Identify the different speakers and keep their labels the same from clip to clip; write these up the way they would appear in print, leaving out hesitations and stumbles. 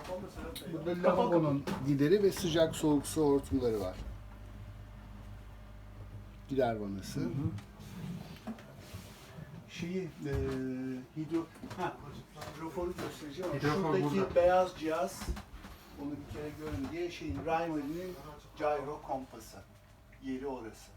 Speaker 1: Burada lavabonun gideri ve sıcak soğuk su hortumları var. Gider vanası. Hidroforu göstereceğim.
Speaker 2: Hidrofor
Speaker 1: Şuradaki
Speaker 2: burada.
Speaker 1: beyaz cihaz, onu bir kere görün diye Raymarie'nin gyro kompası. Yeri orası.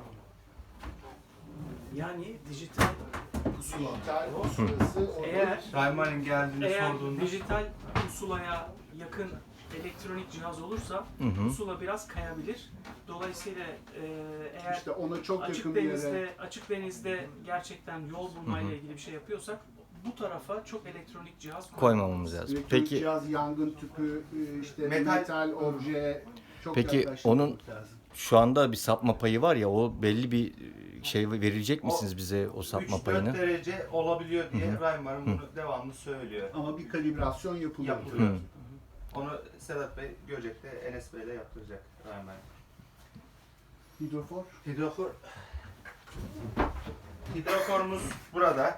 Speaker 3: Yani dijital pusula.
Speaker 1: Dijital pusulası orada.
Speaker 3: Eğer
Speaker 2: Rayman'ın geldiğini sorduğunda
Speaker 3: dijital pusulaya yakın elektronik cihaz olursa pusula biraz kayabilir. Dolayısıyla eğer
Speaker 1: İşte ona çok
Speaker 3: açık
Speaker 1: yakın bir
Speaker 3: denizde
Speaker 1: yere.
Speaker 3: Gerçekten yol bulmayla ilgili bir şey yapıyorsak bu tarafa çok elektronik cihaz
Speaker 4: Koymamamız lazım.
Speaker 1: Elektronik
Speaker 4: Peki
Speaker 1: cihaz, yangın tüpü, işte
Speaker 2: Metal-
Speaker 1: metal obje çok
Speaker 4: Peki
Speaker 1: yaklaştırmak
Speaker 4: onun-
Speaker 1: lazım.
Speaker 4: şu anda bir sapma payı var ya, o belli bir şey verilecek misiniz bize o sapma
Speaker 2: 3-4
Speaker 4: payını?
Speaker 2: derece olabiliyor diye Rayman'ın bunu devamlı söylüyor.
Speaker 1: Ama bir kalibrasyon yapılıyor.
Speaker 2: Yapılıyor. Onu Sedat Bey Göcek'te Enes Bey'le yaptıracak Rayman.
Speaker 1: Hidrofor.
Speaker 2: Hidroforumuz burada.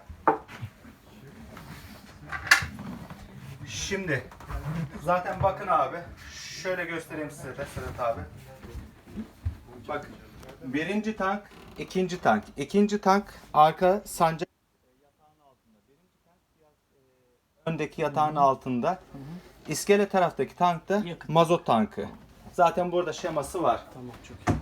Speaker 2: Şimdi zaten bakın abi, şöyle göstereyim size de Sedat abi. Bak, birinci tank, ikinci tank. İkinci tank arka sancak yatağın altında. Birinci tank biraz öndeki yatağın altında. İskele taraftaki tank da
Speaker 3: Yakıt.
Speaker 2: mazot tankı. Zaten burada şeması var.
Speaker 3: Tamam, çok iyi.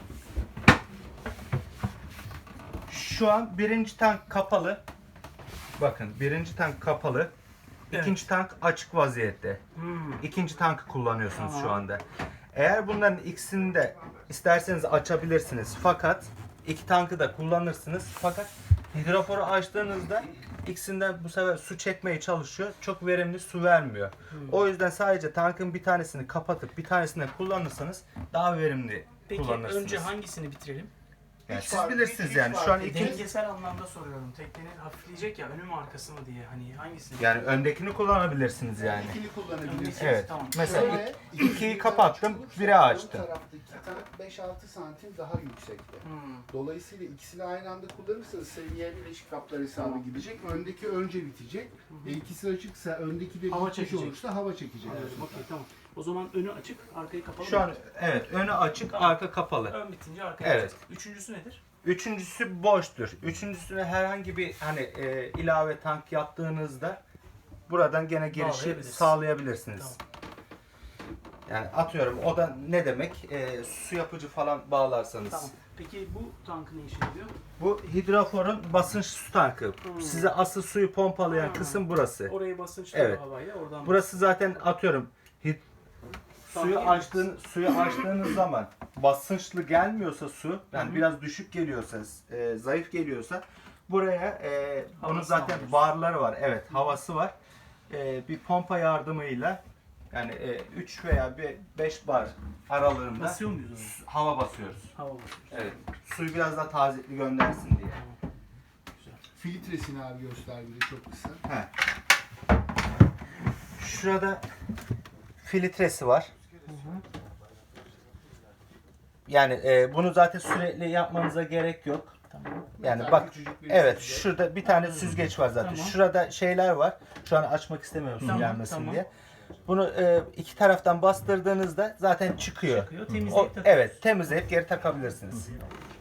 Speaker 2: Şu an birinci tank kapalı. Bakın birinci tank kapalı.
Speaker 3: Evet.
Speaker 2: İkinci tank açık vaziyette. İkinci tankı kullanıyorsunuz şu
Speaker 3: Tamam.
Speaker 2: anda. Eğer bunların ikisini de isterseniz açabilirsiniz. Fakat iki tankı da kullanırsınız. Fakat hidroforu açtığınızda ikisinden bu sefer su çekmeye çalışıyor. Çok verimli su vermiyor. O yüzden sadece tankın bir tanesini kapatıp bir tanesini de kullanırsanız daha verimli
Speaker 3: Peki
Speaker 2: kullanırsınız.
Speaker 3: önce hangisini bitirelim?
Speaker 2: Yani
Speaker 1: Hiç
Speaker 2: siz
Speaker 1: fark-
Speaker 2: bilirsiniz
Speaker 1: hiç
Speaker 2: yani.
Speaker 1: fark
Speaker 2: Şu an
Speaker 1: etmez.
Speaker 2: ikiniz
Speaker 3: Dengesel anlamda soruyorum. Teknenin hafifleyecek ya, önü mü arkası mı diye. Hani hangisini?
Speaker 2: yani öndekini kullanabilirsiniz yani.
Speaker 1: İkili kullanabilirsiniz.
Speaker 3: Hangisi?
Speaker 2: Evet.
Speaker 3: Tamam.
Speaker 2: Mesela
Speaker 1: Şöyle,
Speaker 2: ikiyi
Speaker 1: bir
Speaker 2: kapattım,
Speaker 1: tank
Speaker 2: biri
Speaker 1: olursa,
Speaker 2: açtım.
Speaker 1: ön taraftaki tank 5-6 santim daha yüksekte.
Speaker 3: Hmm.
Speaker 1: Dolayısıyla ikisini aynı anda kullanırsanız seviye bileşik kaplar hesabı gidecek. Öndeki önce bitecek. İkisi açıksa öndeki de
Speaker 3: Hava
Speaker 1: bitmiş
Speaker 3: çekecek.
Speaker 1: olursa hava çekecek.
Speaker 3: Evet, okey, tamam. O zaman önü açık, arkayı kapalı
Speaker 2: Şu
Speaker 3: mı?
Speaker 2: an evet önü açık,
Speaker 3: Tamam.
Speaker 2: arka kapalı.
Speaker 3: Ön bitince arkaya
Speaker 2: Evet.
Speaker 3: açacak. Üçüncüsü nedir?
Speaker 2: Üçüncüsü boştur. Üçüncüsüne herhangi bir hani ilave tank yaptığınızda buradan gene girişi
Speaker 3: Bağlayabiliriz.
Speaker 2: sağlayabilirsiniz.
Speaker 3: Tamam.
Speaker 2: Yani atıyorum o da ne demek? Su yapıcı falan bağlarsanız.
Speaker 3: Tamam. Peki bu tankı ne işe yarıyor?
Speaker 2: Bu hidroforun basınç su tankı. Size asıl suyu pompalayan kısım burası.
Speaker 3: Orayı basınçlı
Speaker 2: Evet.
Speaker 3: havayla oradan.
Speaker 2: Burası zaten atıyorum suyu açtığınız zaman basınçlı gelmiyorsa su, yani biraz düşük geliyorsa, zayıf geliyorsa buraya bunun
Speaker 3: Havası
Speaker 2: zaten
Speaker 3: alıyorsun.
Speaker 2: barları var. Evet, havası var. Bir pompa yardımıyla yani 3 veya 5 bar aralığında
Speaker 3: Basıyor muyuz onu?
Speaker 2: hava basıyoruz.
Speaker 3: Hava basıyoruz.
Speaker 2: Evet. Suyu biraz daha tazelikli göndersin diye.
Speaker 1: Filtresini abi göster bir de çok kısa.
Speaker 2: He. Şurada filtresi var. Yani bunu zaten sürekli yapmanıza gerek yok.
Speaker 3: Tamam.
Speaker 2: Yani
Speaker 1: Metal
Speaker 2: bak,
Speaker 1: küçücük bir
Speaker 2: evet
Speaker 1: süzgeç.
Speaker 2: şurada bir tane süzgeç var zaten.
Speaker 3: Tamam.
Speaker 2: Şurada şeyler var. Şu an açmak istemiyorum su
Speaker 3: Tamam,
Speaker 2: gelmesin
Speaker 3: tamam.
Speaker 2: diye. Bunu iki taraftan bastırdığınızda zaten çıkıyor.
Speaker 3: Çıkıyor, temizleyip
Speaker 2: O,
Speaker 3: takıyoruz.
Speaker 2: evet, temizleyip geri takabilirsiniz.